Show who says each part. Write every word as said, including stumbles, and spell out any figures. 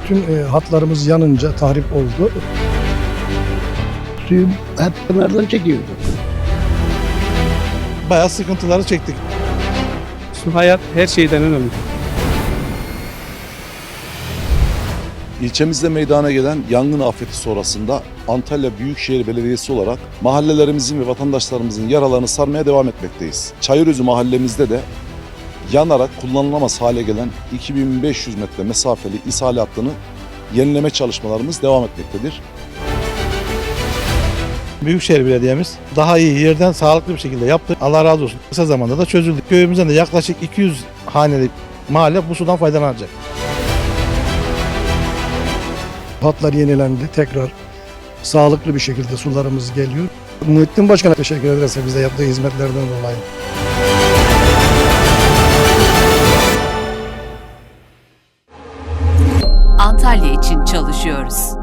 Speaker 1: Tüm e, hatlarımız yanınca tahrip oldu.
Speaker 2: Suyu hep kenardan çekiyordu.
Speaker 3: Bayağı sıkıntıları çektik.
Speaker 4: Su hayat her şeyden önemli.
Speaker 5: İlçemizde meydana gelen yangın afeti sonrasında Antalya Büyükşehir Belediyesi olarak mahallelerimizin ve vatandaşlarımızın yaralarını sarmaya devam etmekteyiz. Çayırözü mahallemizde de yanarak kullanılamaz hale gelen iki bin beş yüz metre mesafeli ishal hattını yenileme çalışmalarımız devam etmektedir.
Speaker 3: Büyükşehir Belediye'miz daha iyi yerden sağlıklı bir şekilde yaptı. Allah razı olsun. Kısa zamanda da çözüldü. Köyümüzden de yaklaşık iki yüz haneli mahalle bu sudan faydalanacak.
Speaker 1: Hatlar yenilendi. Tekrar sağlıklı bir şekilde sularımız geliyor. Muhittin Başkan'a teşekkür ederiz bize yaptığı hizmetlerden dolayı.
Speaker 6: Antalya için çalışıyoruz.